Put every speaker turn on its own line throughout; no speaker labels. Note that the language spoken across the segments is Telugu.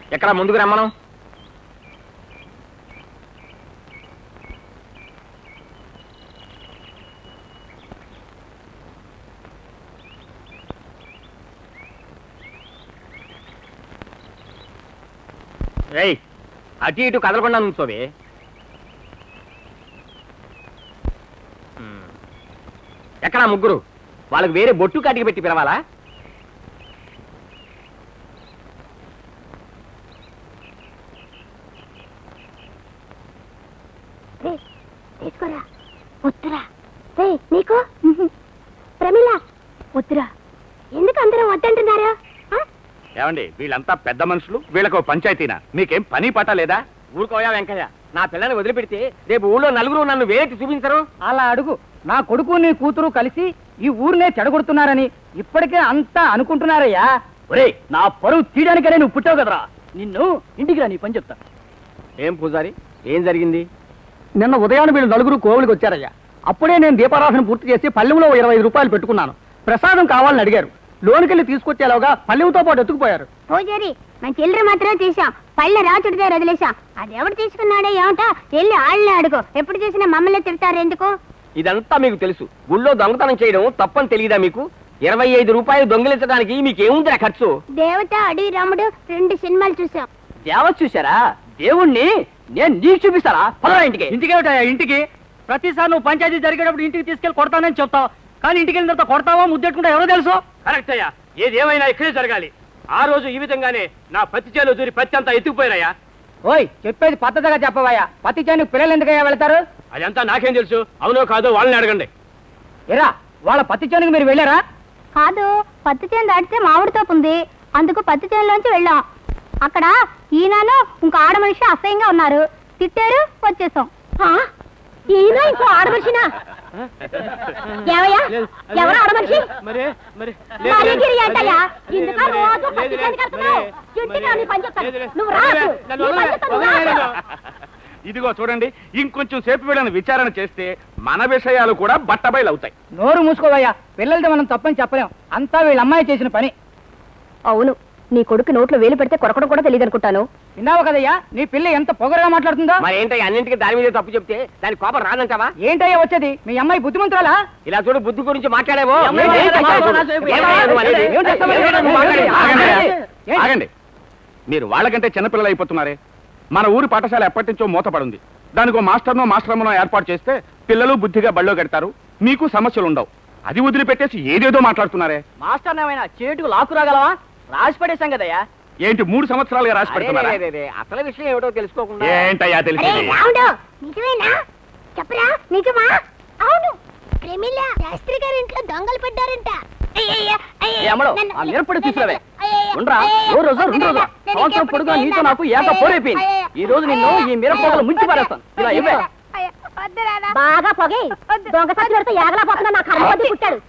ఎక్కడ ముందుకు రమ్మను. ఏయ్, అటు ఇటు కదలకుండా నుంచోవే. ఎక్కడా ముగ్గురు? వాళ్ళకి వేరే బొట్టు కాటికి పెట్టి పిలవాలా?
తీసుకోరా. వద్దురా. నీకు ప్రమిళ వద్దురా. ఎందుకు అందరూ వద్దంటున్నారు?
ఏమండి, వీళ్ళంతా పెద్ద మనుషులు, వీళ్ళకు పంచాయతీనా? మీకేం పని పట్ట లేదా? ఊరుకోయా వెంకయ్య, నా పిల్లని వదిలిపెడితే రేపు ఊళ్ళో నలుగురు నన్ను వేరేటి చూపించరు.
అలా అడుగు. నా కొడుకు నీ కూతురు కలిసి ఈ ఊరినే చెడగొడుతున్నారని ఇప్పటికే అంతా అనుకుంటున్నారయ్యా. ఒరే, నా పరువు తీయడానికనే నువ్వు పుట్టావు కదరా. నిన్ను ఇంటికి రా, నీ పని చెప్తా.
ఏం పూజారి, ఏం జరిగింది?
నిన్న ఉదయాన్ని వీళ్ళు నలుగురు కోవులకి వచ్చారయ్యా. అప్పుడే నేను దీపారాధన పూర్తి చేసి పల్లెంలో 25 రూపాయలు పెట్టుకున్నాను. ప్రసాదం కావాలని అడిగారు. లోనికి తీసుకొచ్చేలాగా పల్లెంతో పాటు ఎత్తుకుపోయారు.
పూజారి, మన చిల్లర మాత్రమే తీసాం, పళ్ళ రాచుడి దగ్గర వదిలేసాం. అది ఎవడు తీసుకున్నాడే ఏమంటా? వెళ్ళి ఆళ్ళని అడుగు. ఎప్పుడు చూసినా మమ్మల్ని తిడతారు ఎందుకు?
ఇదంతా మీకు తెలుసు. గుళ్ళో దొంగతనం చేయడం తప్పని తెలియదా మీకు? 25 రూపాయలు దొంగిలించడానికి మీకేముందిరా ఖర్చు?
దేవత, అడవి రాముడు 2 సినిమాలు చూసాం.
దేవత చూసారా? దేవుణ్ణి నేను నీకు చూపిస్తారా? పదరా ఇంటికి. ఇంటికేమిటా? ఇంటికి ప్రతిసారి నువ్వు పంచాయతీ జరిగేటప్పుడు ఇంటికి తీసుకెళ్లి కొడతానని చెప్తావు, కానీ ఇంటికి వెళ్ళిన తర్వాత కొడతావా ముద్దెట్టుకుంటా ఎవరో తెలుసు.
కరెక్ట్ అయ్యా, ఏదేమైనా ఇక్కడే జరగాలి. ఆ రోజు ఈ విధంగానే నా పత్తి చేలో దూరి పత్తి అంతా ఎత్తుకుపోయినాయా?
ఓయ్, చెప్పేది పద్ధతిగా చెప్పవయ్యా. పత్తి చేనుకు పిల్లలు ఎందుకయ్యా వెళ్తారు?
అదంతా నాకేం తెలుసు? అవునో కాదో వాళ్ళని అడగండి.
ఎరా, వాళ్ళ పత్తి చేనుకు మీరు వెళ్ళారా?
కాదు, పత్తి చేను దాటితే మామిడి తోపు ఉంది, అందుకు పత్తి చేనులోంచి వెళ్ళాం. అక్కడ ఈయనను ఇంకో ఆడ మనిషి అసహ్యంగా ఉన్నారు, తిట్టారు, వచ్చేసాం. ఈయన ఇంకో ఆడమనిషినా? ఎవరు ఆడమనిషి?
ఇదిగో చూడండి, ఇంకొంచెం సేపు వీళ్ళని విచారణ చేస్తే మన విషయాలు కూడా బట్టబయలు అవుతాయి.
నోరు మూసుకోవయ్యా. పిల్లలతో మనం తప్పని చెప్పలేం, అంతా వీళ్ళ అమ్మాయి చేసిన పని.
అవును, నీ కొడుకు నోట్లో వేలు పెడితే కొరకడం కూడా తెలియదు అనుకుంటాను.
విన్నావు కదయ్యా, నీ పిల్ల ఎంత పొగరుగా మాట్లాడుతుందో.
మరి ఏంటయ్యా, అన్నింటికి దాని మీద తప్పు చెప్తే దాని కోపం రాదంటావా?
ఏంటయ్యా వచ్చేది? మీ అమ్మాయి బుద్ధిమంతురాలా?
ఇలా చూడు, బుద్ధి గురించి మాట్లాడేవో. ఆగండి, మీరు వాళ్ళకంటే చిన్నపిల్లలు అయిపోతున్నారే. మన ఊరి పాఠశాల ఎప్పటి నుంచో మూతపడుంది. దానికో మాస్టర్నో ఏర్పాటు చేస్తే పిల్లలు బుద్ధిగా బళ్ళో కడతారు, మీకు సమస్యలు ఉండవు. అది వదిలిపెట్టేసి ఏదేదో మాట్లాడుతున్నారే.
మాస్టర్ ఏమైనా చేటుకు లాక్కు రాగలవా? రాసి పడేశాం కదయ్యా.
ఏంటి 3 సంవత్సరాలుగా రాసి పెడుతున్నారా? అసలు విషయం ఏమిటో తెలుసుకోకుండా ఏంటయ్యా తెలిసి?
నిజమేనా? చెప్పరా, నిజమా? అవును, ప్రమిళ శాస్త్రి గారి ఇంట్లో దొంగలు పడ్డారంట.
మిరపడి తీసుకురావే. సంవత్సరం పొడుగునా నీతో నాకు ఏక పోరైపోయింది. ఈ రోజు నిన్ను ఈ మిరపొగలు ముంచి పారేస్తాను.
బాగా పొగే దొంగ సచ్చినడితో ఏగలాపోతున్నా నా కర్మ పుట్టాడు.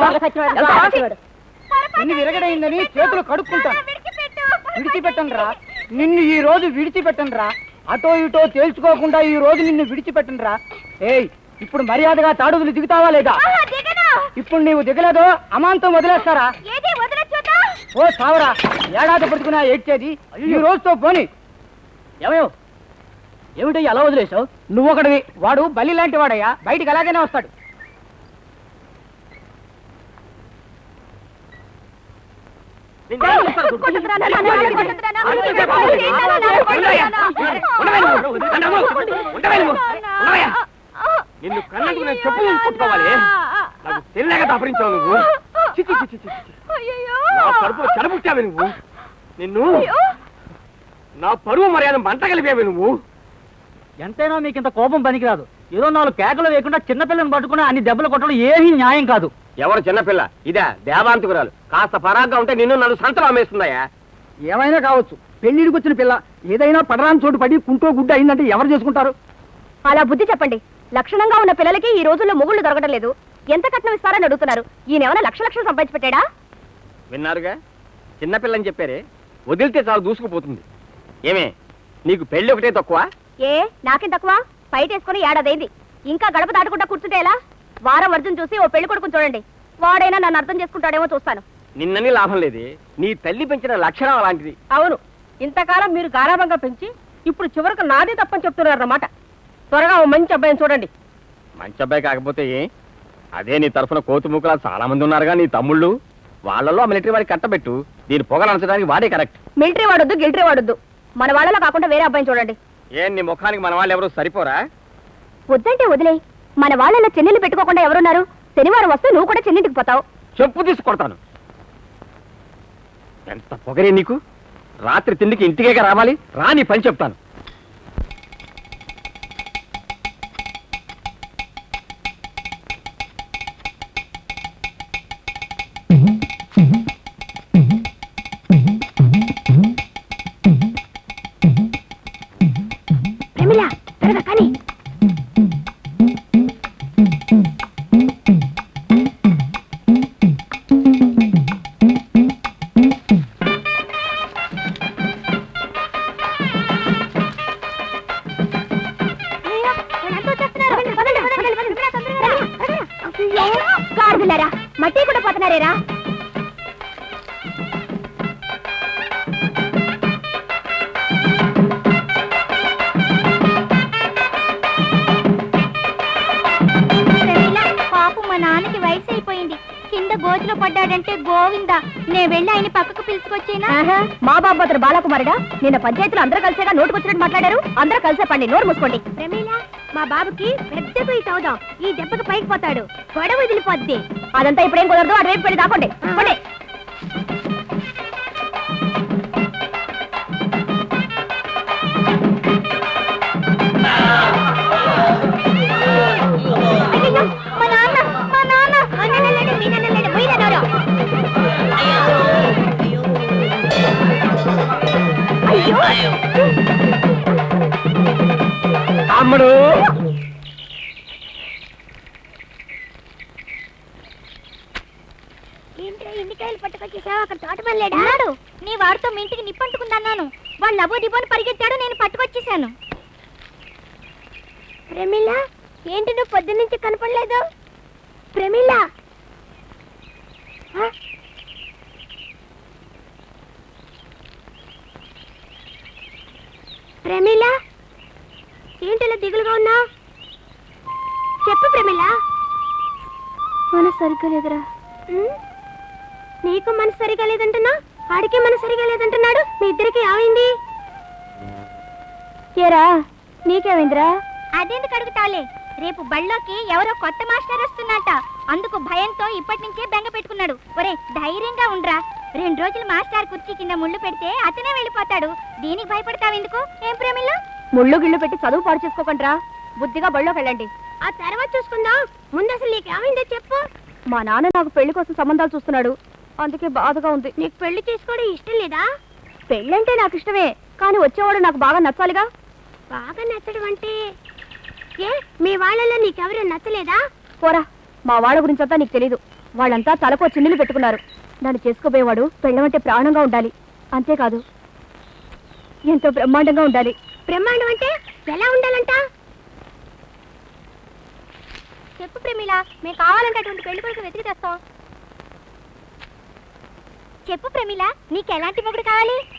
నిన్ను విరగడైందని చేతులు కడుక్కుంటాను. విడిచిపెట్టను రా నిన్ను, ఈ రోజు విడిచిపెట్టను రా. అటో ఇటో తేల్చుకోకుండా ఈ రోజు నిన్ను విడిచిపెట్టను రా. ఏయ్, ఇప్పుడు మర్యాదగా తాడుదులు దిగుతావా లేదా? ఇప్పుడు నీవు దిగలేదో అమాంతం వదిలేస్తారా? ఓ సావరా, ఏడాది పడుకున్నా ఏడ్చేది ఈ రోజుతో పోని. ఏమిటయ్యా అలా వదిలేసావు? నువ్వు ఒకటివి, వాడు బలి లాంటి వాడయ్యా, బయటికి అలాగనే వస్తాడు.
నిన్ను కళ్ళకు నేను చెప్పులు కొట్టుకోవాలి. నాకు తెలియక దాపరించావు నువ్వు. నా కడుపులో చెడబుట్టావు నువ్వు. నిన్ను నా పరువు మర్యాద మంట కలిపేవి నువ్వు.
ఎంతైనా మీకు ఇంత కోపం పనికిరాదు. ఏదో 4 కేకలు వేయకుండా చిన్నపిల్లని పట్టుకుని అన్ని దెబ్బలు కొట్టడం ఏమీ న్యాయం కాదు.
ఎవరు చిన్నపిల్ల? ఇదే దేవాంతకురాలు. కాస్త పరాగ్గా ఉంటే నిన్ను నన్ను సంతలో అమ్మేస్తుందయ్యా.
ఏమైనా కావచ్చు, పెళ్లిడికి వచ్చిన పిల్ల. ఏదైనా పడరాని చోటు పడి కుంటో గుడ్డ అయిందంటే ఎవరు చేసుకుంటారు?
అలా బుద్ధి చెప్పండి. లక్షణంగా ఉన్న పిల్లలకి ఈ రోజుల్లో మొగుళ్ళు దొరకడం లేదు. ఎంత కట్నం ఇస్తారని అడుగుతున్నారు. ఈయనేమైనా లక్షలు సంపాదించి పెట్టాడా?
విన్నారుగా, చిన్నపిల్లని చెప్పారే, వదిలితే చాలు దూసుకుపోతుంది. ఏమే, నీకు పెళ్లి ఒకటే తక్కువ?
ఏ, నాకేం తక్కువ? బయట వేసుకుని ఏడాదైంది, ఇంకా గడప దాటకుండా కూర్చుంటే ఎలా? వారం వర్జం చూసి ఓ పెళ్లి కొడుకుని చూడండి, వాడైనా నన్ను అర్థం చేసుకుంటాడేమో చూస్తాను.
నిన్నని లాభం లేదే, నీ తల్లి పెంచిన లక్షణం అలాంటిది.
అవును,
ఇంతకాలం మీరు గారాబంగా పెంచి ఇప్పుడు చివరకు నాదే తప్పని చెప్తున్నారు అన్నమాట. త్వరగా ఓ మంచి అబ్బాయిని చూడండి.
మంచి అబ్బాయి కాకపోతే ఏ? అదే నీ తరఫున కోతుమూకలా చాలా మంది ఉన్నారుగా నీ తమ్ముళ్ళు. వాళ్ళలో మిలిటరీ వాడికి కట్టబెట్టు. దీని పొగలు అనచడానికి వాడే కరెక్ట్.
మిలిటరీ వాడొద్దు, గిల్టరీ వాడొద్దు. మన వాళ్ళలో కాకుండా వేరే అబ్బాయిని చూడండి.
ఏం నీ ముఖానికి మన వాళ్ళు ఎవరు సరిపోరా?
వద్దంటే వదిలే. మన వాళ్ళలో చెల్లెలు పెట్టుకోకుండా ఎవరున్నారు? శనివారం వస్తే నువ్వు కూడా చెల్లింటికి పోతావు.
చెప్పు తీసుకొడతాను. ఎంత పొగరే నీకు? రాత్రి తిండికి ఇంటికే రావాలి. రా నీ పని చెప్తాను.
ప్రమిళ త్వరగా కానీ. గాడిదలారా, మట్టి కూడా పోతున్నారేరా? పాపం మా నాన్నకి వయసు అయిపోయింది. కింద గోతిలో పడ్డాడంటే గోవిందా. నేను వెళ్ళి ఆయన పక్కకు పిలుచుకొచ్చేనా?
మా బాబు అతను బాలకుమారుడా? నిన్న పంచాయతీలో అందరూ కలిసేగా నోటుకొచ్చినట్టు మాట్లాడారు. అందరూ కలిసే పండి, నోరు మూసుకోండి.
ప్రమీల, మా బాబుకి పెద్ద పోయి అవుదాం. ఈ దెబ్బకి పైకి పోతాడు, గొడవ వదిలిపోద్ది.
అదంతా ఇప్పుడేం కుదరదు. అటువైపు పెళ్లి దాకోండి. పోండి.
అయ్యయ్యో, మా నాన్న, మా నాన్న. మా నాన్న లేడు, మీ నాన్న లేడు, పోయినా నోరు. అయ్యో,
అమ్మడు
ఏంట్రా ఎన్నికాయలు పట్టుకొచ్చేసావు? అక్కడ తోటమని లేడా? నీ వాడితో మీ ఇంటికి నిప్పంటుకుందన్నాను. వాళ్ళు అబో దిబోని పరిగెత్తాడు, నేను పట్టుకొచ్చేసాను. ప్రమీల, ఏంటి నువ్వు పొద్దున్న నుంచి కనపడలేదు? ప్రమీల, ప్రమీల, ఏంటిలా దిగులుగా ఉన్నావు? చెప్పు ప్రమీల. మనసు సరిగ్గా లేదురా. నీకు మనసు సరిగా లేదంటున్నా, ఆడికి మనసు సరిగా లేదంటున్నాడు. మీ ఇద్దరికి ఏమైంది? ఏరా, నీకేమైందిరా? అదెందుకు అడుగుతావులే. రేపు బళ్ళోకి ఎవరో కొత్త మాస్టర్ వస్తున్నట్ట. అందుకు భయంతో ఇప్పటి నుంచే బెంగ పెట్టుకున్నాడు. ఒరే, ధైర్యంగా ఉండరా. 2 రోజులు మాస్టర్ కుర్చీ కింద ముళ్ళు పెడితే అతనే వెళ్ళిపోతాడు. దీనికి భయపడతావెందుకు? ఏం ప్రేమిల్లా?
ముళ్ళు గిళ్ళు పెట్టి చదువు పాడు చేసుకోకండిరా. బుద్ధిగా బళ్ళోకి వెళ్ళండి.
ఆ తర్వాత చూసుకుందాం. ముందు అసలు నీకేమైందో చెప్పు.
మా నాన్న నాకు పెళ్లి కోసం సంబంధాలు చూస్తున్నాడు. అందుకే బాధగా ఉంది.
నీకు పెళ్లి చేసుకోవడం ఇష్టం లేదా?
పెళ్ళంటే నాకు ఇష్టమే, కానీ వచ్చేవాడు నాకు బాగా నచ్చాలిగా.
బాగా నచ్చడం అంటే ఏ, మీ వాళ్ళలో నీకెవరూ నచ్చలేదా?
పోరా, మా వాళ్ళ గురించి అంతా నీకు తెలీదు. వాళ్ళంతా తలకో చిన్నులు పెట్టుకున్నారు. నన్ను చేసుకోబోయేవాడు పెళ్ళమంటే ప్రాణంగా ఉండాలి. అంతేకాదు, ఎంతో బ్రహ్మాండంగా ఉండాలి.
బ్రహ్మాండం అంటే ఎలా ఉండాలంట? చెప్పు ప్రేమిల, మేము కావాలంటే అటువంటి పెళ్లి కొడుకు వెతికి తెస్తాం. చెప్పు ప్రేమిల, నీకు ఎలాంటి మొగుడు కావాలి?